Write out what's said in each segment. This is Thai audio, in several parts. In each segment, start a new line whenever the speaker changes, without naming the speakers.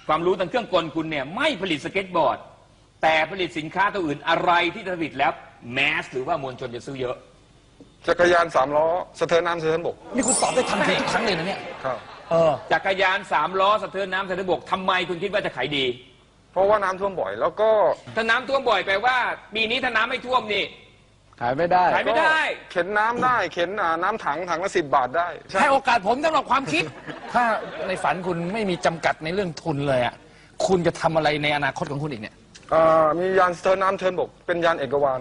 ความรู้ทางเครื่องกลคุณเนี่ยไม่ผลิตสเก็ตบอร์ดแต่ผลิตสินค้าตัวอื่นอะไรที่ผลิตแล้วแมสหรือว่ามวลชนจะซื้อเยอะ
จักรยาน3 ล้อสะเทินน้ำสะเทินบก
นี่คุณตอบได้ทันทีทุกครั้งเลยนะเนี่ย
ครับ
จักรยาน3 ล้อสะเทินน้ำสะเทินบกทำไมคุณคิดว่าจะขายดี
เพราะว่าน้ำท่วมบ่อยแล้วก็
ถ้าน้ำท่วมบ่อยแปลว่าปีนี้ถ้าน้ำไม่ท่วมนี่
ขายไม่ได้
เข็นน้ำได้เข็นน้ำถังละ10 บาทได้
ให้โอกาสผมสำหรับความคิดถ้าในฝันคุณไม่มีจำกัดในเรื่องทุนเลยอ่ะคุณจะทำอะไรในอนาคตของคุณอีกเนี่ย
มียานสะเทินน้ำสะเทินบกเป็นยานเอกวาน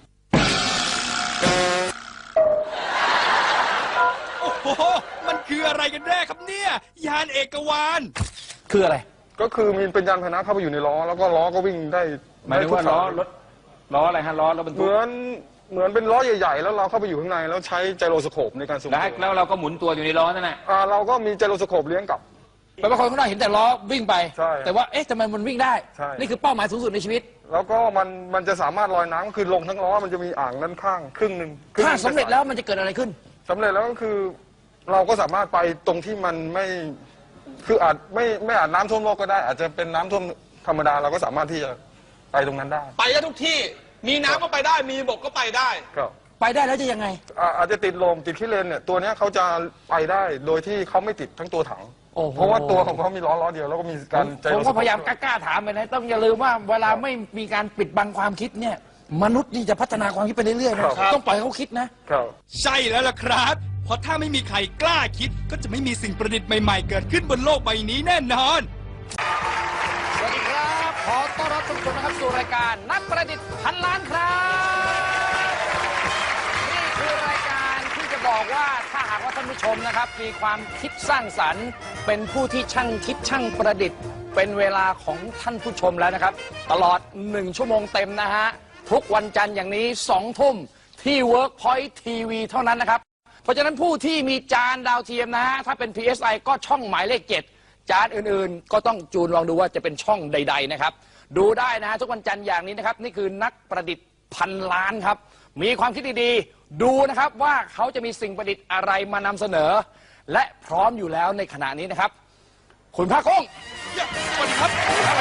โอ้โหมันคืออะไรกันแน่ครับเนี่ยยานเอกวาน
คืออะไร
ก็คือมีเป็นยานพาหนะเข้าไปอยู่ในล้อแล้วก็ล้อก็วิ่งได้
หมายถึงว่าล้ออะไรฮะล้อบรรทุก
เหมือนเป็นล้อใหญ่ๆแล้วเราเข้าไปอยู่ข้างในแล้วใช้ไจโรสโคปในการสูง
แล้วเราก็หมุนตัวอยู่ในล้อนั่นแหละ
เราก็มีไจโรสโคปเลี้ยงกับ
แปลว่าคนข้างนอกเห็นแต่ล้อวิ่งไปแต่ว่าเอ๊ะทำไมมันวิ่งได้นี่คือเป้าหมายสูงสุดในชีวิต
แล้วก็มันจะสามารถลอยน้ำคือลงทั้งล้อมันจะมีอ่างด้านข้างครึ่งหนึ่ง
ถ้าสำเร็จแล้วมันจะเกิดอะไรขึ้น
สำเร็จแล้วก็คือเราก็สามารถไปตรงที่มันไม่คืออาจไม่อาจน้ำท่วมโลกก็ได้อาจจะเป็นน้ำท่วมธรรมดาเราก็สามารถที่จะไปตรงนั้นได้
ไปได้ทุกที่มีน้ำก็ไปได้มีบกก็ไปได้
ครับ
ไปได้แล้วจะยังไง
อาจจะติดลมติดขี้เลนเนี่ยตัวนี้เขาจะไปได้โดยที่เขาไม่ติดทั้งตัวถังเพราะว่าตัวของเขามีล้อเดียวแล้วก็มีการ
ผมก็พยายามกล้าถามไปนะต้องอย่าลืมว่าเวลาไม่มีการปิดบังความคิดเนี่ยมนุษย์นี่จะพัฒนาความคิดไปเรื่อยๆนะต้องปล่อยเขาคิดนะ
ใช่แล้วล่ะครับเพราะถ้าไม่มีใครกล้าคิดก็จะไม่มีสิ่งประดิษฐ์ใหม่ๆเกิดขึ้นบนโลกใบนี้แน่นอน
สวัสดีครับขอต้อนรับทุกคนนะครับสู่รายการนักประดิษฐ์พันล้านครับนี่คือรายการที่จะบอกว่าถ้าหากว่าท่านผู้ชมนะครับมีความคิดสร้างสรรค์เป็นผู้ที่ช่างคิดช่างประดิษฐ์เป็นเวลาของท่านผู้ชมแล้วนะครับตลอด1 ชั่วโมงเต็มนะฮะทุกวันจันทร์อย่างนี้2 ทุ่มที่ Workpoint TV เท่านั้นนะครับเพราะฉะนั้นผู้ที่มีจานดาวเทียมนะฮะถ้าเป็น PSI ก็ช่องหมายเลข 7จานอื่นๆก็ต้องจูนลองดูว่าจะเป็นช่องใดๆนะครับดูได้นะฮะทุกวันจันทร์อย่างนี้นะครับนี่คือนักประดิษฐ์พันล้านครับมีความคิดดีๆดูนะครับว่าเขาจะมีสิ่งประดิษฐ์อะไรมานำเสนอและพร้อมอยู่แล้วในขณะนี้นะครับคุณพระกุ้ง
สวัสดีครับ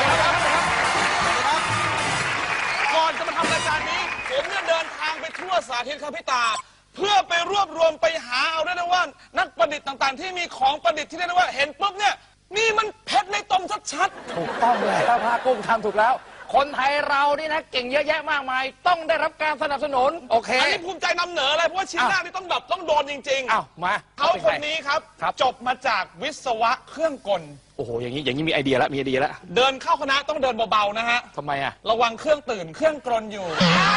ก่อนจะมาทำรายการนี้ผมเนี่ยเดินทางไปทั่วสาธิตครับพี่ตาเพื่อไปรวบรวมไปหาเอาได้นะว่านักประดิษฐ์ต่างๆที่มีของประดิษฐ์ที่ได้นะว่าเห็นปุ๊บเนี่ยนี่มันเพชรในตมชัด
ๆถูกต้องเลยพระกุ้งทำถูกแล้วคนไทยเรานี่นะเก่งเยอะแยะมากมายต้องได้รับการสนับสนุนโอเค
อันนี้ภูมิใจนำเหนือเลยเพราะว่าชิ้นแรกนี่ต้องโดนจริงๆ
อ้าวมา
เขาคนนี้ครับจบมาจากวิศวะเครื่องกล
โอ้โหอย่างนี้มีไอเดียแล้ว
เดินเข้าคณะต้องเดินเบาๆนะฮะ
ทำไมอะ
ระวังเครื่องตื่นเครื่องกลนอยู่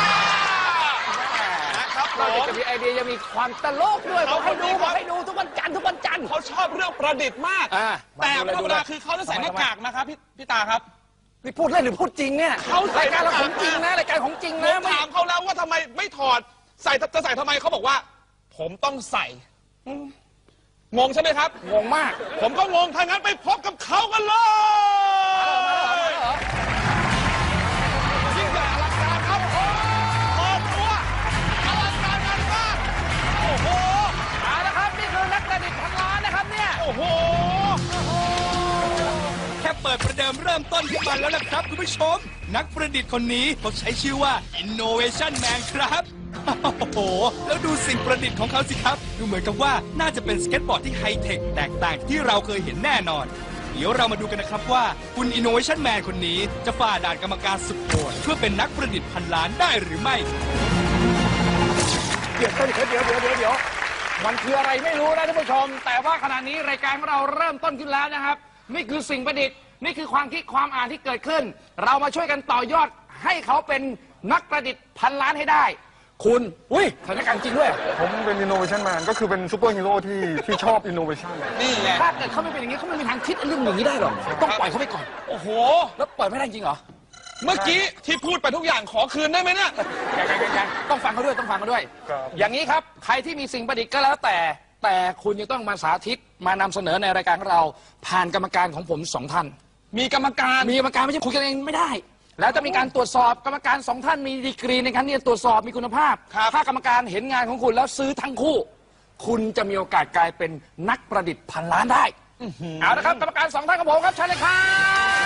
เราจะมีไอเดียจะมีความตลกด้วยบอกให้ดูทุกวันจันทร์
เขาชอบเรื่องประดิษฐ์มากแต่ธรรมดาคือเขาจะใส่หน้ากากนะครับพี่ตาครับ
นี่พูดเล่นหรือพูดจริงเนี่ยรายการเราของจริงนะรายการของจริงนะ
ถามเขาแล้วว่าทำไมไม่ถอดจะใส่ทำไมเขาบอกว่าผมต้องใส่งงใช่ไหมครับ
งงมาก
ผมก็งงถ้างั้นไปพบกับเขากันเลยยิ่งใหญ่อลังการครับเปิดตัวอลังการงานมากโอ้โห
เอาละครับนี่คือนักประดิษฐ์พันล้านนะครับเนี่ย
โอ้โหแค่เปิดประเดิมเริ่มต้นขึ้นมาแล้วนะครับคุณผู้ชมนักประดิษฐ์คนนี้เขาใช้ชื่อว่า Innovation Man ครับโอ้โหแล้วดูสิ่งประดิษฐ์ของเขาสิครับดูเหมือนกับว่าน่าจะเป็นสเก็ตบอร์ดที่ไฮเทคแตกต่างที่เราเคยเห็นแน่นอนเดี๋ยวเรามาดูกันนะครับว่าคุณ Innovation Man คนนี้จะฝ่าด่านกรรมการสุดโหดเพื่อเป็นนักประดิษฐ์พันล้านได้หรือไม่
เดี๋ยวมันคืออะไรไม่รู้นะท่านผู้ชมแต่ว่าขณะนี้รายการของเราเริ่มต้นขึ้นแล้วนะครับนี่คือสิ่งประดิษฐ์นี่คือความคิดความอ่านที่เกิดขึ้นเรามาช่วยกันต่อยอดให้เขาเป็นนักประดิษฐ์พันล้านให้ได้คุณสถานการณ์จริงด้วย
ผมเป็น Innovation Man ก็คือเป็นซูเปอร์ฮีโร่ที่ชอบ Innovation
นี่แหละถ้าเกิดเขาไม่เป็นอย่างนี้เขาไม่มีทางคิดเรื่องอย่างนี้ได้หรอกต้องปล่อยเขาไปก่อน
โอ้โห
แล้วปล่อยไม่ได้จริงเหรอ
เมื่อกี้ที่พูดไปทุกอย่างขอคืนได้ไหมเนี่ย
ยังต้องฟังเขาด้วยอย่างนี้ครับใครที่มีสิ่งประดิษฐ์ก็แล้วแต่คุณจะต้องมาสาธิตมานำเสนอในรายการของเราผ่านกรรมการของผม2 ท่าน
มีกรรมการ
ไม่ใช่คุยกันเองไม่ได้แล้วจะมีการตรวจสอบกรรมการ2 ท่านมีดีกรีในการที่จะตรวจสอบมีคุณภาพถ้ากรรมการเห็นงานของคุณแล้วซื้อทั้งคู่คุณจะมีโอกาสกลายเป็นนักประดิษฐ์พันล้านได้เอาละครับกรรมการ2 ท่านของผมครับเชิญเลยครับ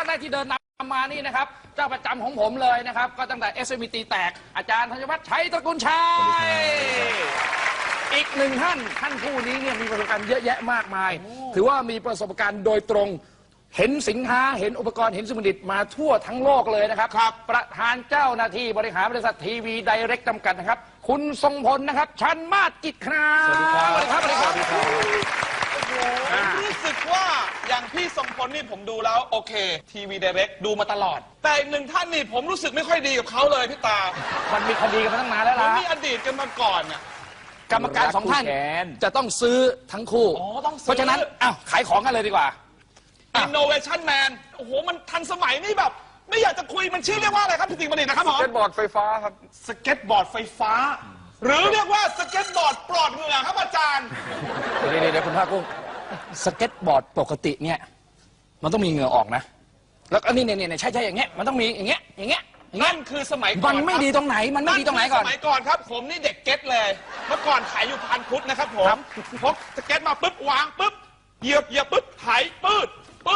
แรกที่เดินนำมานี่นะครับเจ้าประจำของผมเลยนะครับก็ตั้งแต่ SMT แตกอาจารย์ธัญวัฒน์ชัยตระกูลชัยอีกหนึ่งท่านผู้นี้เนี่ยมีประสบการณ์เยอะแยะมากมาย ถือว่ามีประสบการณ์โดยตรงเห็นสินค้าเห็นอุปกรณ์เห็นสมุดิตมาทั่วทั้งโลกเลยนะครับประธานเจ้าหน้าที่บริหารบริษัททีวีไดเรกจำกัดนะครับคุณทรงพลนะครับชันมาศกิจครับสวัสดีครับสวัสดีครับ
ผมรู้สึกว่าอย่างพี่ทรงพลนี่ผมดูแล้วโอเคทีวีไดเรกดูมาตลอด แต่อีกหนึ่งท่านนี่ผมรู้สึกไม่ค่อยดีกับเขาเลยพี่ตา
มันมีคดีกันมาตั้งนานแล้ว
ผม
ล่ะ
มีอดีตกันมาก่อนน่ะ
กรรมการสองท่าน
แขน
จะต้องซื้อทั้งคู่
อ๋อต้องซื้อ
เพราะฉะนั้นอ้าวขายของกันเลยดีกว่า
Innovation Man โอ้โหมันทันสมัยนี่แบบ ไม่อยากจะคุยมันชื่อเรียกว่าอะไรครับพี่ติ๋งบัณฑิตนะครับผม
สเก็ตบอร์ดไฟฟ้าครับ
สเก็ตบอร์ดไฟฟ้า หรือเรียกว่าสเก็ตบอร์ดปลอดเหงื่อครับอาจารย์
เดี๋ยวคุณภาคกุ้งสเก็ตบอร์ดปกติเนี่ยมันต้องมีเหงื่อออกนะแล้วก็นี่ใช่อย่างเงี้ยมันต้องมีอย่างเงี้ย
นั่นคือสมัยก่อน
มันไม่ดีตรงไหนมันไม่ดีตรงไหนก่อน
สมัยก่อนครับ ผมนี่เด็กเก็ตเลย เมื่อก่อนขายอยู่พันพุทธนะครับผมพกสเก็ตมาปุ๊บวางปุ๊บเหยียบปุ๊บไถปืด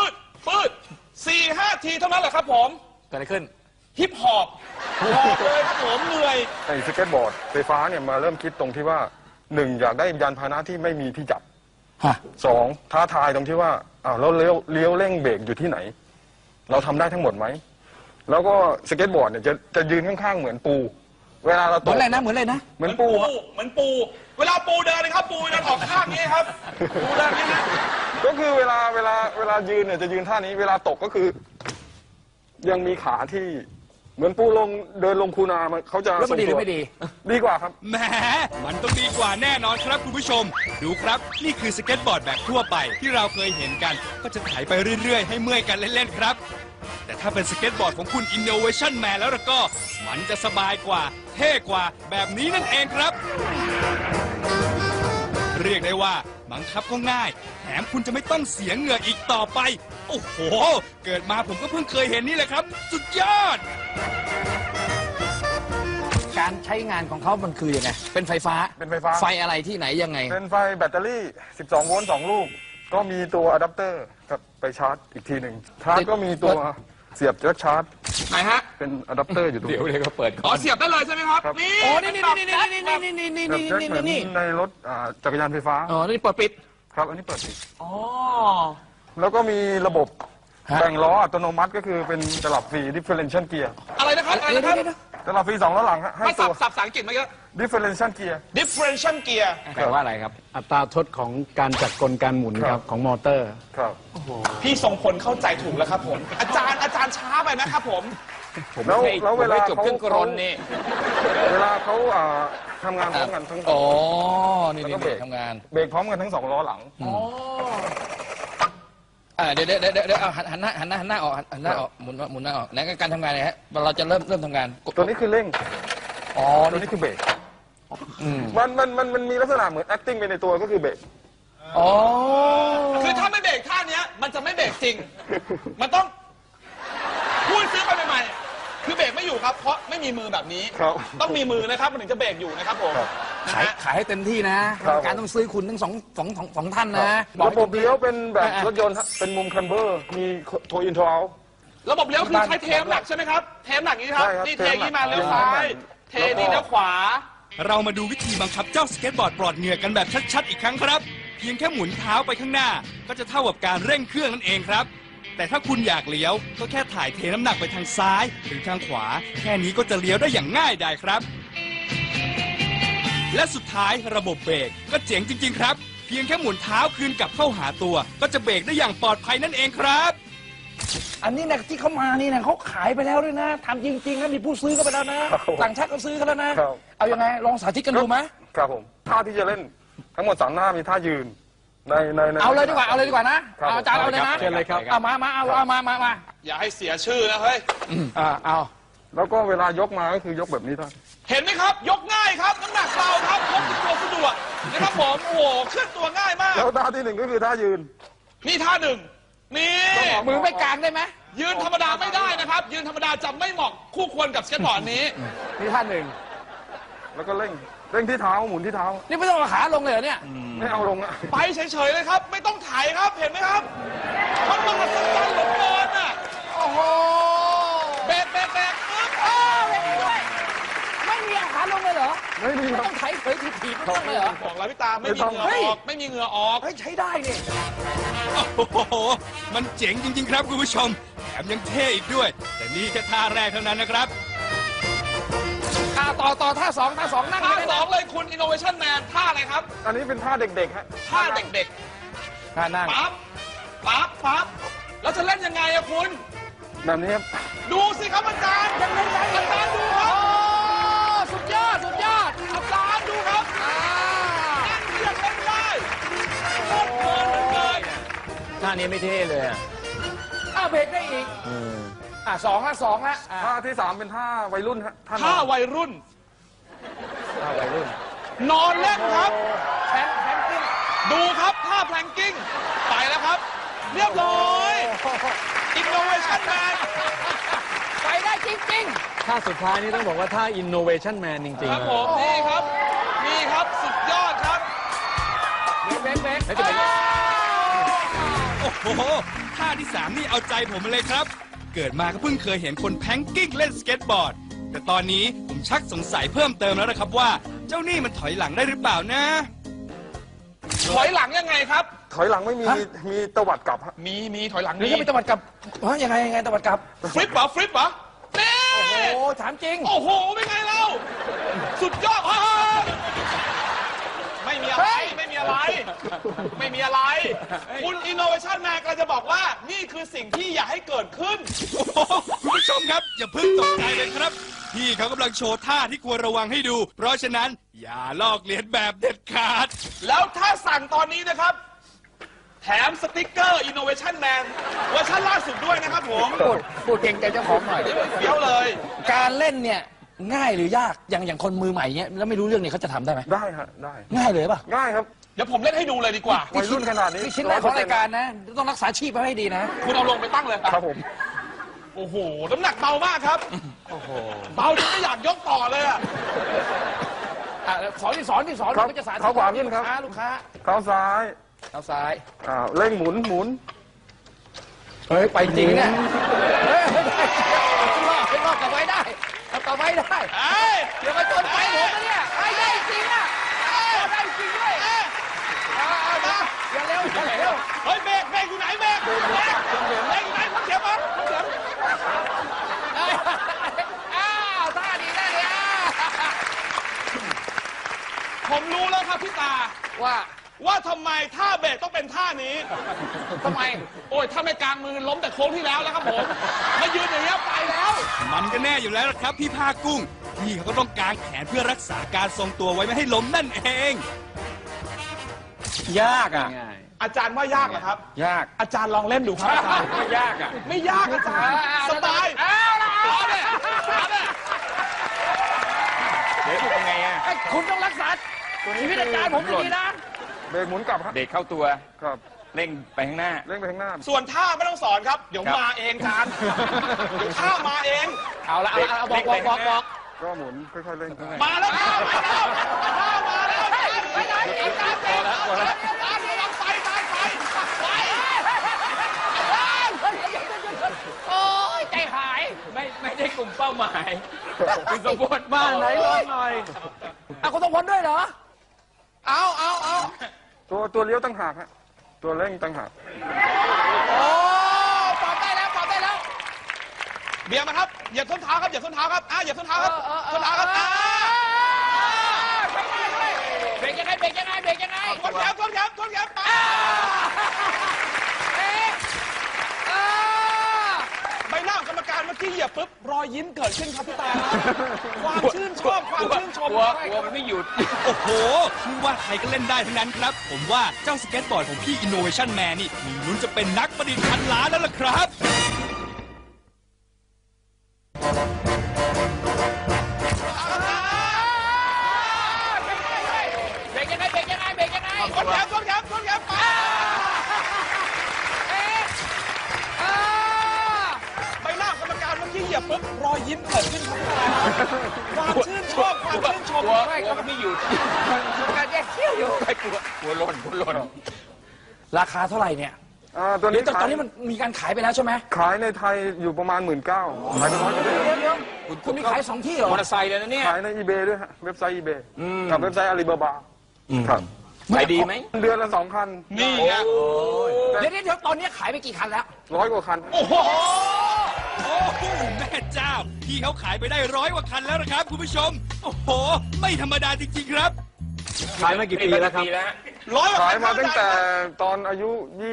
4-5 ทีเท่านั้นแหละครับผม
เกิดอะไรขึ้น
ฮิปฮอปหอบเลยครับผมเหนื่อย
ไอ้สเก็ตบอร์ดไฟฟ้าเนี่ยมาเริ่มคิดตรงที่ว่าหนึ่งอยากได้ยานพาหนะที่ไม่มีที่จับ
ฮะ
สองท้าทายตรงที่ว่าอ้าวเราเลี้ยวเร่งเบรกอยู่ที่ไหน เราทำได้ทั้งหมดไหมแล้วก็สเก็ตบอร์ดเนี่ยจะยืนข้างๆเหมือนปู เวลาเรา
เห
ต
มือก นอะไรนะเหมือนอะไรนะ
เหมือนปูครับ
เหมือนปู เวลาปูเดินนะครับปูเดินออกข้างนี้ครับปูเดินนี้นะ
ก็คือเวลายืนเนี่ยจะยืนท่านี้เวลาตกก็คือ ยังมีขาที่เหมือนปูเดินลงคูนามันเขาจะ
แล้วมันดีหรือไม่ดี
ดีกว่าครับ
แหมมันต้องดีกว่าแน่นอนครับคุณผู้ชม ดูครับ นี่คือสเก็ตบอร์ดแบบทั่วไปที่เราเคยเห็นกัน ก็จะไถไปเรื่อยๆ ให้เมื่อยกันเล่นๆครับ แต่ถ้าเป็นสเก็ตบอร์ดของคุณ Innovation Man แล้วก็ มันจะสบายกว่า เท่กว่าแบบนี้นั่นเองครับ เรียกได้ว่าบังคับก็ง่าย แถมคุณจะไม่ต้องเสียเหงื่ออีกต่อไป โอ้โห เกิดมาผมก็เพิ่งเคยเห็นนี่แหละครับ สุดยอด
การใช้งานของเขามันคือยังไงเป็นไฟฟ้า
เป็นไฟฟ้า
ไฟอะไรที่ไหนยังไง
เป็นไฟแบตเตอรี่ 12 โวลต์ 2 ลูก ก็มีตัวอะแดปเตอร์กับไปชาร์จอีกทีหนึ่งชาร์จก็มีตัวเสียบแจ็คชาร์จ
ไหนฮะ
เป็นอะแดปเตอร์อยู่ตรง
เดี๋ยว
นี้
ก็เปิด
อ๋อเสียบได้เลยใช่ไหมครับ
ครับ
นี่
โอ้นี่
แบบแจ็คเหมือนในรถจักรยานไฟฟ้า
อ๋อนี่เปิดปิด
ครับ อันนี้เปิดปิด
อ๋อ
แล้วก็มีระบบ
ฮะ
แบ่งล้ออัตโนมัติก็คือเป็นตลับฟรี differential gear
อะไรนะครับอะไรนะครับ
ตลับฟรี2ล้อหลังฮะให้
มา
ตั
สั
ว
บภาษาอังกฤษมาเยอะ
differential gear
differential gear
แปลว่าอะไรครับ
อัตราทดของการจัดกลการหมุน
ค
ค
รั
รับ บของมอเตอร์
ครับ
พี่ทรงพลเข้าใจถูกแล้วครับผม อาจารย์ช้าไปนะครับผม
แล้ว
ให้
แล้วเวลา
จบเครื่องกรนนี่
เวลาเขาทำงานพร้อมกันทั้ง
อ๋อนี่
แล้วก็เบรก
ทำงาน
เบรกพร้อมกันทั้ง2ล้อหลัง
เดี๋ยวเอาหันหน้าออกหันหน้าออกหมุนหน้าออกไหนการทำงานเนี่ยฮะเราจะเริ่มทำงาน
ตัวนี้คือเร่ง
อ๋อ
ตัวนี้คือเบรก
อืม
มันมีลักษณะเหมือน acting ไปในตัวก็คือเบรก
อ๋อ
คือถ้าไม่เบรกท่าเนี้ยมันจะไม่เบรกจริง มันต้องพูดซื้อไปใหม่ๆคือเบรกไม่อยู่ครับ เพราะไม่มีมือแบบนี้
ครับ
ต้องมีมือนะครับมันถึงจะเบรกอยู่นะครับผม
ครับ
นะ
ขาย
ฮะ
ขายให้เต็มที่นะครับ การต้องซื้อคุณทั้งสองท่านนะ
ระบบเลี้ยวเป็นแบบรถยนต์ฮะเป็นมุมคันเบอร์ มีโทอินโทเอา
ระบบเลี้ยวคือใช้เทมหลักใช่ไหมครับ เทมหลักนี้ครับ
ใช่ครับ
นี่เทอย่างนี้มา
เท
เลี้ยว
มหลัก
ซ้าย เทนี่เลี้ยวขวา
เรามาดูวิธีบังคับเจ้าสเก็ตบอร์ดปลอดเหงื่อกันแบบชัดๆอีกครั้งครับ เพียงแค่หมุนเท้าไปข้างหน้า ก็จะเท่ากับการเร่งเครื่องนั่นเองครับ แต่ถ้าคุณอยากเลี้ยวก็แค่ถ่ายเทน้ำหนักไปทางซ้ายหรือทางขวา แค่นี้ก็จะเลี้ยวได้อย่างง่ายดายครับ และสุดท้ายระบบเบรกก็เจ๋งจริง ๆ ครับ เพียงแค่หมุนเท้าคืนกลับเข้าหาตัว ก็จะเบรกได้อย่างปลอดภัยนั่นเองครับ
อันนี้นะที่เขามานี่นะเขาขายไปแล้วด้วยนะทำจริงๆนะมีผู้ซื้อก็ไปแล้วนะครับ ต่างชาติก็ซื้อกันแล้วนะครับ เอายังไงลองสาธิตกันดูไหม
ครับผม ท่าที่จะเล่นทั้งหมด3หน้ามีท่ายืน ใน
เอาเลยดีกว่านะครับ เอาอาจารย์เอาเลยนะ
เชิญเลยครับ
เอามา
อย่าให้เสียชื่อนะเฮ้ย
เอา
แล้วก็เวลายกมาก็คือยกแบบนี้ท่าน
เห็นไหมครับ ยกง่ายครับน้ำหนักเบาครับพกติดตัวสะดวกนะครับผม โอ้โหเคลื่อนตัวง่ายมาก
แล้วท่าที่1ก็คือท่ายืน
นี่ท่าหนึ่งนี่
มือไม่กลางได้ไหม
ยืนธรรมดาไม่ได้นะครับ ยืนธรรมดาจะไม่เหมาะคู่ควรกับสเก็ตบอร์ดนี้
นี่ท่านหนึ่ง
แล้วก็เร่งที่เท้าหมุนที่เท้า
นี่ไม่ต้องเอาขาลงเลยเหรอเนี่ย
ไม่เอาลงอะ
ไปเฉยๆเลยครับ ไม่ต้องถ่ายครับ เห็นไหมครับมันมหัศจรรย์เหลือเกินอ่ะ
โอ้อ้โห
เบรกปึ๊บ
ไม่มีอาหารลงเลยเหรอ
ไม่มี
ไม่
ครั
ต้
บ
องไถเผยถีบๆไม่ต้องเลยเหรอ
บอกแล้วพี่ตาไม่มีเหงื่อออกไม่มีเหงื่อออก
เฮ้ยใช้ได้นี่
โอ้โห มันเจ๋งจริง ๆ ครับคุณผู้ชม แถมยังเท่อีกด้วย แต่นี่แค่ท่าแรกเท่านั้นนะครับ
ต่อท่าสองนั่ง
ท่า
เลย
สองเลยคุณ Innovation Man ท่าอะไรครับ
อันนี้เป็นท่าเด็กๆฮะ
ท่าเด็ก
ท่านั่ง
ๆปั๊บแล้วจะเล่นยังไงอะคุณ
แบบนี้ครับ
ดูสิครับอาจารย์อาจารย์ดูครับ
สุดยอด
อาจารย์ดูครับนั่งเรียกเล่นได้โคตรเพลินเลย
ท่านี้ไม่เท่เลยอะ
เบรกได้อีกสองละ
ท่าที่ 3 เป็นท่าวัยรุ่นฮะท่าน
ท่าวัยรุ่น
ท่าวัยรุ่น
นอนเล่นครับ
แพนกิ้ง
ดูครับท่าแพลงกิ้งไปแล้วครับ เรียบร้อย Innovation Man
ไปได้จริง
ท่าสุดท้ายนี่ต้องบอกว่าท่า innovation man จริง
ครับ
ๆ
ผมนี่ครับสุดยอดครับ
ๆเบรก
แล้วจะเป็น
โอ้โห ท่าที่ 3 นี่เอาใจผมมาเลยครับ เกิดมาก็เพิ่งเคยเห็นคนแพงกิ้งเล่นสเก็ตบอร์ด แต่ตอนนี้ผมชักสงสัยเพิ่มเติมแล้วนะครับว่า เจ้านี่มันถอยหลังได้หรือเปล่านะ
ถอยหลังยังไงครับ
ถอยหลังไม่มีมีตวัดกลับฮะ
มีถอยหลัง
หรือ
มี
จะไปตะวัดกลับยังไงตะวัดกลับ
ฟลิปเหรอนี่
โอ้ถามจริง
โอ้โหเป็นไงเราสุดยอดไม่มีอะไรไม่มีอะไร คุณ Innovation Man กำลังจะบอกว่านี่คือสิ่งที่อยากให้เกิดขึ้น
โอ้โหคุณผู้ชมครับ อย่าเพิ่งตกใจเลยครับ พี่เขากำลังโชว์ท่าที่ควรระวังให้ดู เพราะฉะนั้นอย่าลอกเลียนแบบเด็ดขาด
แล้วถ้าสั่งตอนนี้นะครับ แถมสติ๊กเกอร์ Innovation Man เวอร์ชันล่าสุดด้วยนะครับผม
พูดเก่งใจเจ้าของหน่อย
เฟี้ยวเลย
การเล่นเนี่ยง่ายหรือยากอย่างคนมือใหม่เนี่ยแล้วไม่รู้เรื่องเนี่ยเขาจะทำได้ไหม
ได้ฮะได้
ง่ายเลยป่ะ
ง่ายครับ
เดี๋ยวผมเล่นให้ดูเลยดีกว่า
วัยรุ่นขนาดนี้
นี่ชิ้นแรกของรายการนะ ต้องรักษาชีพไว้ให้ดีนะ
คุณเอาลงไปตั้งเลย
ครับผม
โอ้โห น้ำหนักเบามากครับ เบาจนไม่อยากยกต่อเลยอะ
สอนที่สอน
ครับ
ก็จะสาธิต
เท้าขวาขึ้นครับ
ลูกค้า
เท้าซ้าย
เท้าซ้าย
เร่งหมุน
เฮ้ยไปจริงเนี่ยเฮ้ยไม่รอดกลับไว้ได้กลับไว้ได้
เอ้ย
เดี๋ยวมาจนไปผมนะเนี่ยไปได้จริงอ่ะได้จริงด้วยอย่าเร็ว
เฮ้ยเบรกอยู่ไหนเบรกอยู่ไหนพักเสียงมาพักเสียง
ท่าดี
ผมรู้แล้วครับพี่ตา
ว่า
ทำไมท่าเบรกต้องเป็นท่านี้
ทำไม
โอ้ยถ้าไม่กลางมือล้มแต่โค้งที่แล้วแล้วครับผมมายืนอย่างนี้ยไปแล้ว
มันก็แน่อยู่แล้วล่ะครับพี่ผ้ากุ้ง พี่เขาก็ต้องกางแขนเพื่อรักษาการทรงตัวไว้ไม่ให้ล้มนั่นเอง
ยากอ่ะ
ง่าย
อาจารย์ว่ายากเหรอครับ
ยาก
อาจารย์ลองเล่นดูครับอาจารย์
ไม่ยากอ่ะ
ไม่ยากอาจารย์สบาย
เอาละ
เอาเนี่ยเอาเนี่ย
เดี๋ยวเป็นไงอ่ะ
คุณต้องรักษาชีวิตอาจารย์ผมดีๆนะ
เบรกหมุนกลับฮะ
เด็กเข้าตัว
ครับ
เร่งไปข้างหน้า
เร่งไปข้างหน้า
ส่วนท่าไม่ต้องสอนครับ เดี๋ยว
ครับ
มาเองอาจารย์เดี๋ยวท่ามาเอง
เอาละบอก
ก็หมุนค่อยๆเร่ง
มาแล้วท่ามาแล้วท่ามาแล้ว
ไปไหนอาจารย์
อาจารย์ไป
โอ้ยใจหาย
ไม่ได้กลุ่มเป้าหมายคือสมบูรณ์
บ้านไหนลองหน่อย
คุณต้องพ้นด้วยเหรอเอา
ตัวเลี้ยวตั้งหากฮะตัวเร่งตั้งหาก
โอ้ปรับได้แล้ว
เบียร์มาครับเหยียบส้นเท้าครับเหยียบส้นเท้าครับเหยียบส้นเท้าครับส้นเท้าครับ
เบรกยังไง
ทนแขนไปใบหน้าของกรรมการเมื่อกี้เหยียบปุ๊บรอยยิ้มเกิดขึ้นครับพี่ตาความชื่นชอบความชื่นชม
กลัวมันไม่หยุด
โอ้โหไม่ว่าใครก็เล่นได้ทั้งนั้นครับ ผมว่าเจ้าสเก็ตบอร์ดของพี่ Innovation Man นี่มีลุ้นจะเป็นนักประดิษฐ์พันล้านแล้วล่ะครับ
เบรกยังไง
ทนแขนไปใบหน้าของกรรมการเมื่อกี้เหยียบปุ๊บรอยยิ้มเกิดขึ้นครับพี่ตาความชื่นชอบความชื่นชม
กลัวมันไม่หยุด
การแยกเขี้ยวอยู่
ไม่กลัวหล่น
ราคาเท่าไหร่เนี่ย
ตัว
เดี๋
นี้
ยวตอนนี้มันมีการขายไปแล้วใช่ไหม
ขายในไทยอยู่ประมาณ 19,000ขายไป100กว่า
เดี๋ยวคุณมีขายสองที่เหรอ
มอเตอร์ไซค์เลยนะเนี่ย
ขายใน eBay ด้วยฮะเว็บไซต์ eBay กับเว็บไซต์ Alibaba ครับ
ขายดีไหม
เดือนละ2 คัน
นี่ไง
เดี๋ยวตอนนี้ขายไปกี่คันแล้ว
100 กว่าคัน
โอ้โหแม่เจ้า พี่เขาขายไปได้100 กว่าคันแล้วนะครับคุณผู้ชม โอ้โห ไม่ธรรมดาจริงๆครับ
ขายมากี่ปีแล้วครับ
ร้อยกว่า
ขาย
คัน
มาตั้งแต่ตอนอายุ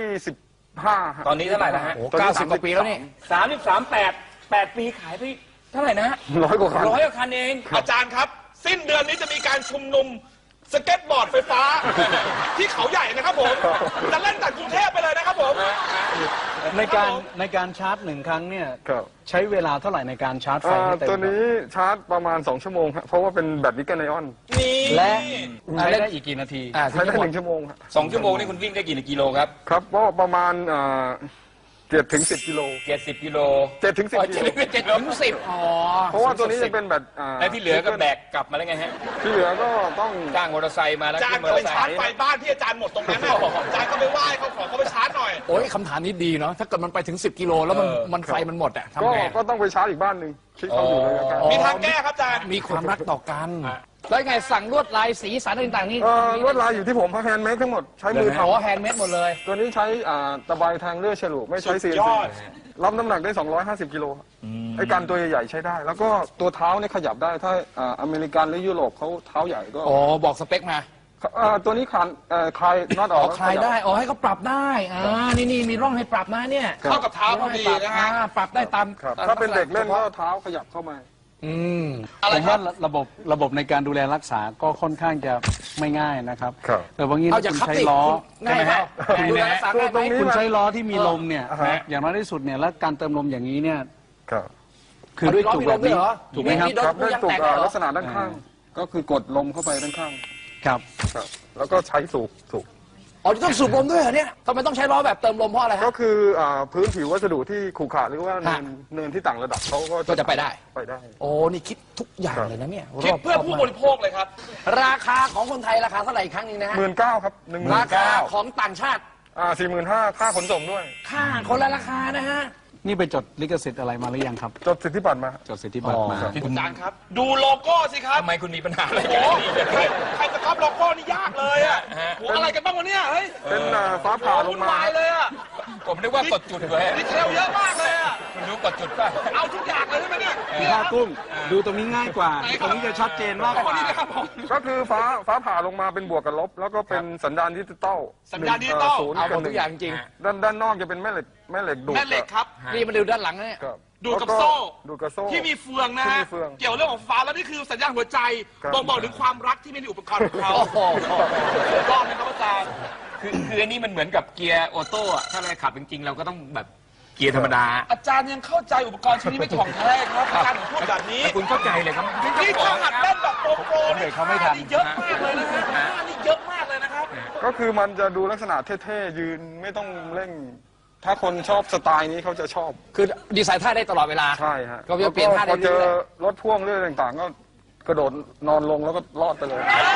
25ฮะ
ตอนนี้เท่าไหร่นะฮะ
โอ้90 กว่าปีแล้วนี่
8 ปีขายไปเท่าไหร่นะฮะ
100 กว่าคัน
100 กว่าคันเอง
อาจารย์ครับ สิ้นเดือนนี้จะมีการชุมนุมสเก็ตบอร์ดไฟฟ้า ที่เขาใหญ่นะครับผม จะเล่นจากกรุงเทพไปเลยนะครับผม
ในการชาร์จ1 ครั้งเนี่ย
ครับ
ใช้เวลาเท่าไหร่ในการชาร์จไฟให้เต็ม
ตัวนี้ชาร์จประมาณ 2 ชั่วโมงครับเพราะว่าเป็นแบตนิกเกิลไอออน
นี่
และใช้ได้อีกกี่นาที
ใช้ได้1 ชั่วโมงครับ
2 ชั่วโมงนี่คุณวิ่งได้กี่กิโลครับ
ครับก็ประมาณ7 ถึง 10 กิโล
70 กิโล
7 ถึง 10 กิโล
7 ถึง 10อ๋อ
เพราะว่าตัวนี้จะเป็นแบต
แล้วที่เหลือก็แบกกลับมาแล้วไงฮะ
ที่เหลือก็ต้อง
จ้างมอเตอร์ไซค์มาแล้ว
อาจาร
ขึ้
ย์
นมอ
ก็
เต
ไป
อร์ไซ
ชาร์จ
ค์
ไฟบ้านที่อาจารย์หมดตรงนั้นน่ะอาจารย์ก็ไปไหว้เขาขอเขาไปชาร์จหน่อย
โอ้ยคำถามนี้ดีเนาะถ้าเกิดมันไปถึง 10 กิโลแล้วมันไฟมันหมดอะทำไง
ก็ต้องไปชาร์จอีกบ้านหนึ่งที่เขาอยู่เลยนะครับ
มีทางแก้ครับอาจารย์
มีความรักต่อกัน แล้วไงสั่งลวดลายสีสันต่างๆนี่
ลวดลายอยู่ที่ผมเพราะแฮนด์เมดทั้งหมดใช้มือ
อ๋อ
ทำ
แฮนด์เมดหมดเลย
ตัวนี้ใช้ตะไบแทงเลื่อยฉลุไม่ใช้
สุด
CNC
ยอด
รับน้ำหนักได้ 250 กิโลไอ้การตัวใหญ่ๆใช้ได้ แล้วก็ตัวเท้าเนี่ยขยับได้ถ้าอเมริกันหรือยุโรปเขาเท้าใหญ่ก็
อ๋อ บอกสเปคมา
ตัวนี้คลายน็อตอ
อ๋
อ
อก คลายได้ อ๋อ ให้เขาปรับได้ นี่มีร่องให้ปรับนะเนี่ย
เข้ากับเท้าพอดีนะฮะ
ปรับได้ตาม
ครับถ้าเป็นเด็กเล่นก็เท้าขยับเข้ามา
อืม
ผมว่าระบบในการดูแลรักษาก็ค่อนข้างจะไม่ง่ายนะครับ
ครับ
แต่บางที
เอา
ถ้า
จาก
คุณ
คับ
ใช้
ติ
ล้อ
ง่ายไหม
ง่าย
ดู
ไหม
แลรักษาง่ายไหม
ตรงนี้
คุณใช้ล้อที่มีลมเนี่ย
อ่าฮะ
อย่างน้อยที่สุดเนี่ยแล้วการเติมลมอย่างนี้เนี่ย
ครับ
คือด้วยจุกแบบนี้ ถูกไหมครับ
มีโดน
ครับ
ผู้
ด้วย
ยัง
ตุก
แตกได้เหรอ
ลักษณะด้านข้าง ก็คือกดลมเข้าไปด้านข้าง
ครับ
ครับแล้วก็ใช้สูบ
อ๋อต้องสูบลมด้วยเหรอเนี่ยทำไมต้องใช้ล้อแบบเติมลมเพราะอะไร
ก็
ฮะ
คือพื้นผิววัสดุที่ขรุขระหรือว่า
ฮะ
เนินที่ต่างระดับเขา
ก็จะไปได้
ไปได้
โอ้ นี่คิดทุกอย่างเลยนะเนี่ย
คิดเพื่อ
รบ
ผู้
มาก
บริโภคเลยครับ
ราคาของคนไทยราคาเท่าไหร่อีกครั้งหนึงนะฮะ
19,000ครับ
ราคา
19,000
ของต่างชาติ
45,000ค่าขนส่งด้วย
ค่าคนละราคานะฮะ
นี่ไปจดลิขสิทธิ์อะไรมาหรือยังครับ
จดสิทธิบัตรมา
จดสิทธิบัตรมา
อ๋อ
อาจารย์ครับ ดูโลโก้สิครับ
ทำไมคุณมีปัญหาอะไร
โอ้
กัน
โหใครจะก๊อปโลโก้นี่ยากเลยอ่ะโหอะไรกันบ้างวะเนี่ยเฮ้ย
เป็นฟ้าผ่าล
วุ่
ง
น
มาว
ายเลยอ่ะ
ผมนึกว่ากดจุดไว้
ดีเทลเยอะมากเลยอ่ะ
คุณรู้กดจุดป่ะ
เอาทุกอย่างเลยใช่ไหมเนี่ยเนี่ย
ผ้ากุ้ง ดูตรงนี้ง่ายกว่า
ไหนค
ต
รับ
รงนี้จะชัดเจนมากกว่า
นี่นะครับผม
ก็คือฟ้าผ่าลงมาเป็นบวกกับลบ แล้วก็เป็นสัญญาณดิจิตอล
สัญญาณดิจิตอล
ศูนย์
เอาหม
กับ
ด
ห
ทุ
นึ่
กอย่างจริง
ด้านนอกจะเป็นแม่เหล็กดูด
แม่เหล็กครับ
นี่มาดูด้านหลังนะเนี่ย
ครับ
ดูดกับ
แล้ว
โซ่
ดูดกับโซ่
ที่มีเฟืองนะ
ที่
ฮะ
มีเฟือง
เกี่ยวเรื่องของฟ้าแล้วนี่คือสัญญาณหัวใจ
ครับ
บ่งบอกถึงความรักที่มีในอุปกรณ์ของเขา
โอ้โห
รอบนะครับอาจารย์
คืออันนี้มันเหมือนกับเกียร์ออโต้อะถ้าเราขับจริงๆเราก็ต้องแบบเกียร์ธรรมดา
อาจารย์ยังเข้าใจอุปกรณ์ชิ้นนี้ไม่ถ่องแท้ครับอาจารย์ถึงพูดแบบนี้
แต่คุณเข้าใจเลยครับ
นี่ถ้าหัดเล่นแบบโปรนี่
เขาไม่ทัน
นี่เยอะมากเลยนะครับนี่เยอะมากเลยนะครับ
ก็คือมันจะดูลักษณะเท่ๆยืนไม่ต้องเร่ง ถ้าคนชอบสไตล์นี้เขาจะชอบ
คือดีไซน์ท่าได้ตลอดเวลา
ใช่ฮะ
ก็จะเปลี่ยนท่าได้
พอเจอ
เรื่อย
รถพ่วงเรื่องต่างๆ ก็กระโดดนอนลงแล้วก็รอดไปเลย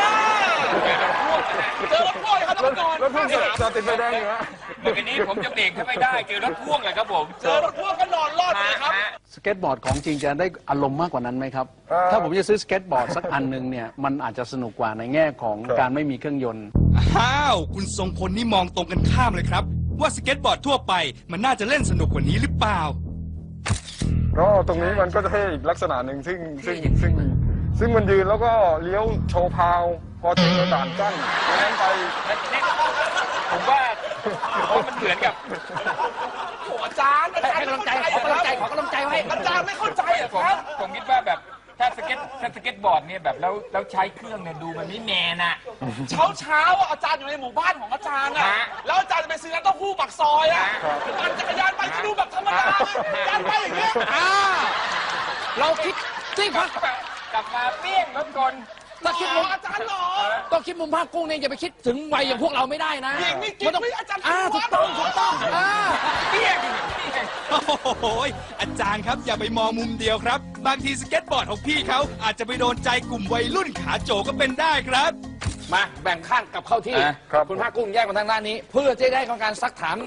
เจอรถพ่วงเลยครับท่านผู้ชม
รถพ่วงจอดติดไฟแดงอยู่ฮะ
เมื่อกี้นี้ผมจะเบรกถ้าไม่ได้เจอรถพ่วงเลยครับผม
เจอรถพ่วงก็นอนรอดเลยครับ
สเก็ตบอร์ดของจริงจะได้อารมณ์มากกว่านั้นไหมครับ ถ้าผมจะซื้อสเก็ตบอร์ดสักอันหนึ่งเนี่ย มันอาจจะสนุกกว่าในแง่ของการไม่มีเครื่องยนต์
อ้าว คุณทรงพลนี่มองตรงกันข้ามเลยครับ ว่าสเก็ตบอร์ดทั่วไปมันน่าจะเล่นสนุกกว่านี้หรือเปล่า
ก็ตรงนี้มันก็จะเท่อีกลักษณะหนึ่งซึ่งมันยืนแล้วก็เลี้ยวโชว์พาว พอถึงด่านกั้นนั้นไป
ผมว่ามันเหมือนกับ
โอ้อาจารย์
ๆให้กำลังใจขอกำลังใจขอกำลังใจไว้
อาจารย์ไม่เข้าใจเหรอ
ผม
ครับ
ผมคิดว่าแบบถ้าสเก็ตบอร์ดเนี่ยแบบแล้วใช้เครื่องเนี่ยดูมันไม่แมนอะ
เช้าอ่ะอาจารย์อยู่ในหมู่บ้านของอาจารย์อ่ะ
ฮะ
แล้วอาจารย์จะไปซื้อน้ำเต้าหู้ปักซอยอ่ะปั่นจักรยานไปก็ดูแบบธรรมดาอาจารย์ไปอย่างเงี้ย
เราคิดที่พัก
กลับมาเปี้ยงรถกล
ถ้าคิดมุม
อาจารย์หรอ
ต้องคิดมุมภาคกุ้งเนี่ยอย่าไปคิดถึงวัยอย่างพวกเราไม่ได้นะ
หญิงนี่กิ๊ก
มันต้อง
ไม่อาจารย์
ถูกต้อง
เปี้ยง
โอ้โหอาจารย์ครับอย่าไปมองมุมเดียวครับ บางทีสเก็ตบอร์ดของพี่เขาอาจจะไปโดนใจกลุ่มวัยรุ่นขาโจก็เป็นได้ครับ
มาแบ่งข้างกลับเข้าที่
ครับ
คุณภาคกุ้งแยกมาทางด้านนี้ เพื่อจะได้ของการซักถาม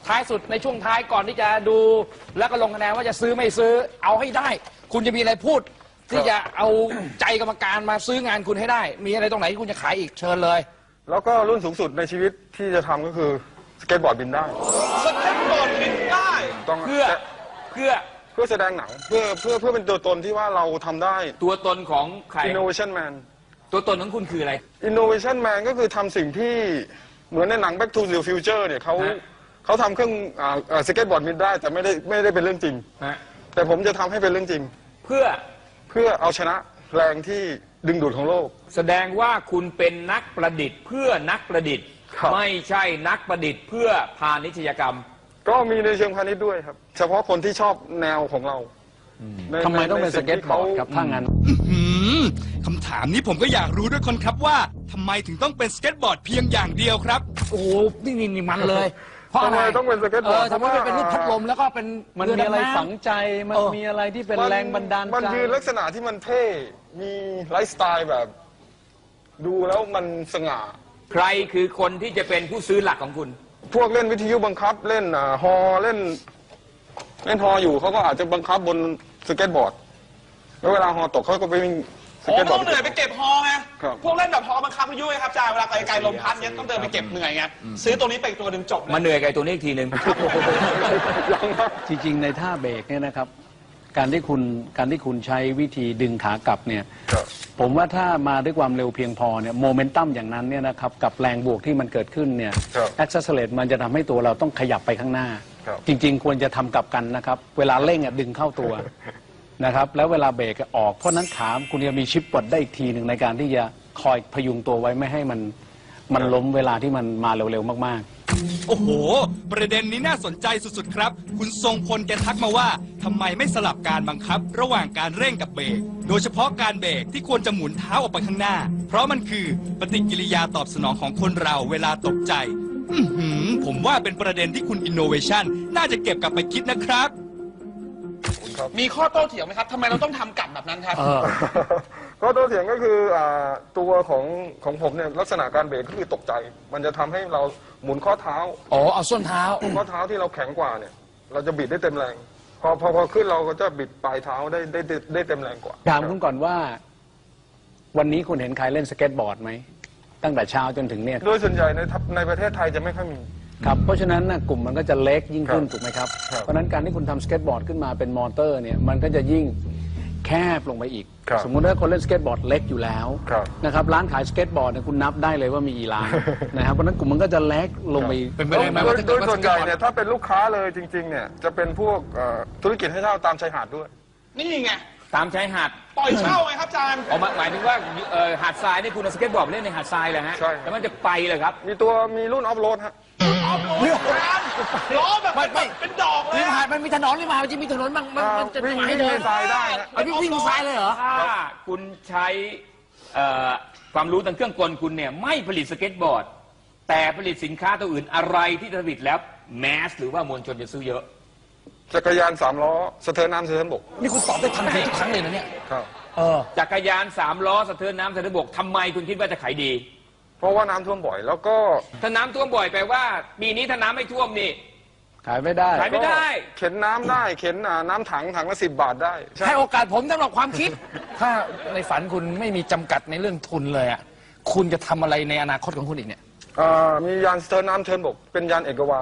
ท้ายสุดในช่วงท้ายก่อนที่จะดูแล้วก็ลงคะแนนว่าจะซื้อไม่ซื้อเอาให้ได้ คุณจะมีอะไรพูด ที่จะเอาใจกรรมการมาซื้องานคุณให้ได้ มีอะไรตรงไหนที่คุณจะขายอีกเชิญเลย
แล้วก็รุ่นสูงสุดในชีวิตที่จะทำก็คือสเก็ตบอร์ดบินได้
สเก็ตบอร์ดบินได้
ต้อง
เพื่อ
แสดงหนังเพื่อเป็นตัวตนที่ว่าเราทำได้
ตัวตนของใคร
Innovation Man
ตัวตนของคุณคืออะไร
Innovation Man ก็คือทำสิ่งที่เหมือนในหนัง Back to the Future เนี่ยเขาทำเครื่องสเก็ตบอร์ดบินได้แต่ไม่ได้เป็นเรื่องจริง
ฮะ
แต่ผมจะทำให้เป็นเรื่องจริง
เพื่อ
เอาชนะแรงที่ดึงดูดของโลก
แสดงว่าคุณเป็นนักประดิษฐ์เพื่อนักประดิษฐ์
ครับ
ไม่ใช่นักประดิษฐ์เพื่อพาณิชยกรรม
ก็มีในเชิงพาณิชย์ด้วยครับ เฉพาะคนที่ชอบแนวของเราใน
ทำไมต้องเป็น
ใน
ส
สิ่
เก็ต
ที่
บอ
ขา
ร์ดครับถ้างั้น
คำถามนี้ผมก็อยากรู้ด้วยคนครับว่าทำไมถึงต้องเป็นสเก็ตบอร์ดเพียงอย่างเดียวครับ
โอ้โหนี่มันเลย เพราะอะไร
ทำไมต้องเป็นสเก็ตบอร์ด
ทำไมไม่เป็นรูปพัดลมแล้วก็เป็น
มัน
เ
มีอะไร
ดำน้ำ
ฝังใจ มันมีอะไรที่เป็นแรงบันดาลใจ
มันยืนลักษณะที่มันเท่ มีไลฟ์สไตล์แบบ ดูแล้วมันสง่า
ใครคือคนที่จะเป็นผู้ซื้อหลักของคุณ
พวกเล่นวิทยุบังคับเล่นฮอเล่นฮออยู่เขาก็อาจจะบังคับบนสเก็ตบอร์ด แล้วเวลาฮอตกเขาก็ไปวิ่งส
โอ้
เก็ตบอ
ต้
ร์
อ
ด
งเหนื่อยไปเก็บฮอไง
ครับ
พวกเล่นแบบฮอบังคับพายุไงครับอาจารย์เวลาไกลๆลมพัดเนี้ยต้องเดินไปเก็บเหนื่อยไงซื้อตัวนี้ไปอีกตัวหนึ่งจบเลย
มาเหนื่อยกับไอ้ตัวนี้อีกทีหนึ่ง
จริงๆ ในท่าเบรกเนี่ยนะครับ การที่คุณใช้วิธีดึงขากลับเนี่ย
ครับ
ผมว่าถ้ามาด้วยความเร็วเพียงพอเนี่ยโมเมนตัมอย่างนั้นเนี่ยนะครับกับแรงบวกที่มันเกิดขึ้นเนี่ย
ครับ
แอคเซสเลตมันจะทำให้ตัวเราต้องขยับไปข้างหน้า
ครับ
จริงๆ ควรจะทำกลับกันนะครับ เวลาเร่งดึงเข้าตัวนะครับแล้วเวลาเบรกออกเพราะนั้นขาคุณจะมีชิปปลดได้อีกทีหนึ่งในการที่จะคอยพยุงตัวไว้ไม่ให้มันล้มเวลาที่มันมาเร็วๆมากๆ
โอ้โห ประเด็นนี้น่าสนใจสุดๆครับ คุณทรงพลแกทักมาว่าทำไมไม่สลับการบังคับ ระหว่างการเร่งกับเบรกโดยเฉพาะการเบรกที่ควรจะหมุนเท้าออกไปข้างหน้า เพราะมันคือปฏิกิริยาตอบสนองของคนเราเวลาตกใจ ผมว่าเป็นประเด็นที่คุณ Innovation น่าจะเก็บกลับไปคิดนะครับ
มีข้อโต้เถียงไหมครับทำไมเราต้องทำกลับแบบนั้นครับ
ก็ตัวเถียงก็คือตัวของผมเนี่ยลักษณะการเบรกก็คือตกใจ มันจะทำให้เราหมุนข้อเท้า
อ๋อเอาส้นเท้า
ข้อเท้าที่เราแข็งกว่าเนี่ย เราจะบิดได้เต็มแรง พอขึ้นเราก็จะบิดปลายเท้าได้เต็มแรงกว่า
ถามคุณก่อนว่า วันนี้คุณเห็นใครเล่นสเก็ตบอร์ดไหมตั้งแต่เช้าจนถึงเนี่ย
โดยส่วนใหญ่ในประเทศไทยจะไม่ค่อยมี
ครับเพราะฉะนั้นกลุ่มมันก็จะเล็กยิ่งขึ้น
ครับ
ถูกไหมครับ
ครับ
เพราะฉะนั้นการที่คุณทำสเก็ตบอร์ดขึ้นมาเป็นมอเตอร์เนี่ยมันก็จะยิ่งแคบลงไปอีก
ครับ
สมมุติว่าคนเล่นสเก็ตบอร์ดเล็กอยู่แล้ว
ครับ
นะครับร้านขายสเก็ตบอร์ดเนี่ยคุณนับได้เลยว่ามีกี่ร้าน นะครับเพราะฉะนั้นกลุ่มมันก็จะเล็กลงไปอีก
เป็นไปได้ไหมว่าถ้า
โด
เกิด
ย
ว่า
ส่วนใหญ่เนี่ยถ้าเป็นลูกค้าเลยจริงๆเนี่ยจะเป็นพวกธุรกิจให้เช่าตามชายหาดด้วย
นี่ไง
ตามชายหาด
ปล่อยเช่าไงครับอาจารย์
เอาหมายถึงว่าหาดทรายนี่คุณเอาสเก็ตบอร์ดไปเล่นในหาดทรายเลยฮะ
ใช่
แล้วมันจะไปเลยครับ
มีรุ่นออฟโรดฮะ
เอาโอ้ยอาจารย์ล้อแบบ
ไม่
เป็นดอกเลย
ริม
อะ
หาดมันมีถนนริมหาดมันจะมีถนนบางมันจะ
วิ่ง
ให้เดิน
ในทรายได้ฮะ
เอาวิ่งบนทรายเลยเหรอ
ถ้าคุณใช้ความรู้ทางเครื่องกลคุณเนี่ยไม่ผลิตสเก็ตบอร์ด แต่ผลิตสินค้าตัวอื่นอะไรที่ผลิตแล้วแมสหรือว่ามวลชนจะซื้อเยอะ
จักรยาน3 ล้อสะเทินน้ำสะเทินบก
นี่คุณตอบได้ทันทีทุกครั้งเลยนะเนี่ย
ครับ
จักรยาน3 ล้อสะเทินน้ำสะเทินบกทำไมคุณคิดว่าจะขายดี
เพราะว่าน้ำท่วมบ่อย แล้วก็
ถ้าน้ำท่วมบ่อยแปลว่าปีนี้ถ้าน้ำไม่ท่วมนี่
ขายไม่ได้
ขายไม่ได้
เข็นน้ำได้เข็นน้ำถังละ10 บาทได้ใช่
ให้โอกาสผมสำหรับความคิด ถ้าในฝันคุณไม่มีจำกัดในเรื่องทุนเลยอ่ะคุณจะทำอะไรในอนาคตของคุณอีกเนี่ย
มียานสะเทินน้ำสะเทินบก เป็นยานเอกวาน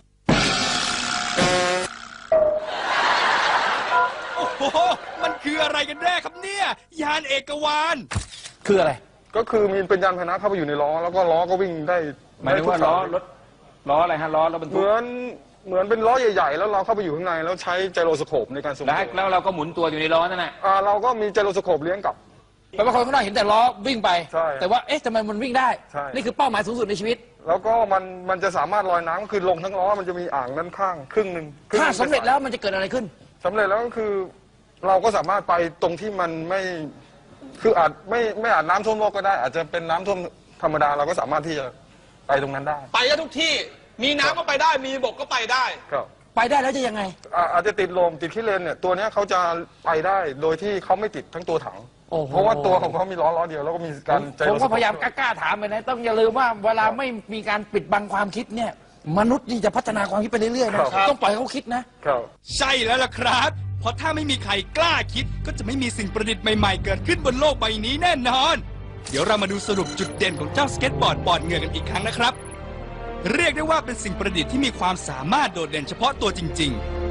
โอ้โห มันคืออะไรกันแน่ครับเนี่ย ยานเอกวาน
คืออะไร
ก็คือมีเป็นยานพาหนะเข้าไปอยู่ในล้อ แล้วก็ล้อก็วิ่งได้
หมายถึงว่า
ได้ทุก
ล้อ
สย
รถล้ออะไรฮะล้อรถบรร
เห
ทุก
มือนเป็นล้อใหญ่ๆ แล้วเราเข้าไปอยู่ข้างในแล้วใช้ไจโรสโคปในการทรง
แล้ว
ตัว
แล้วเราก็หมุนตัวอยู่ในล้อนั่นแหละ
เราก็มีไจโรสโคปเลี้ยงกลับ
แปลว่าคนข้างนอกเห็นแต่ล้อวิ่งไป
ใช่
แต่ว่าเอ๊ะทำไมมันวิ่งได้
ใช่
นี่คือเป้าหมายสูงสุดในชีวิต
แล้วก็มันจะสามารถลอยน้ำคือลงทั้งล้อมันจะมีอ่างด้านข้างครึ่งหนึ่ง
ถ้าสำเร็จแล้วมันจะเกิดอะไรขึ้น
สำเร็จแล้วก็คือเราก็สามารถไปตรงที่มันไม่คืออาจไม่อาจน้ำท่วมโลกก็ได้ อาจจะเป็นน้ำท่วมธรรมดาเราก็สามารถที่จะไปตรงนั้นได้
ไปได้ทุกที่ มีน้ำก็ไปได้ มีบกก็ไปได้
ครับ
ไปได้แล้วจะยังไง
อาจจะติดลมติดขี้เลนเนี่ยตัวเนี้ยเขาจะไปได้โดยที่เขาไม่ติดทั้งตัวถัง
โอ้โห
เพราะว่าตัวของเขามีล้อเดียวแล้วก็มีการใจ
ผม
รถ
ก็พยายามกล้าๆถามไปนะต้องอย่าลืมว่าเวลาไม่มีการปิดบังความคิดเนี่ยมนุษย์นี่จะพัฒนาความคิดไปเรื่อยๆนะครับ ต้องปล่อยให้เขาคิดนะ
ครับ
ใช่แล้วล่ะครับ เพราะถ้าไม่มีใครกล้าคิด ก็จะไม่มีสิ่งประดิษฐ์ใหม่ๆ เกิดขึ้นบนโลกใบนี้แน่นอน เดี๋ยวเรามาดูสรุปจุดเด่นของเจ้าสเก็ตบอร์ดปอดเหงื่อกันอีกครั้งนะครับ เรียกได้ว่าเป็นสิ่งประดิษฐ์ที่มีความสามารถโดดเด่นเฉพาะตัวจริงๆ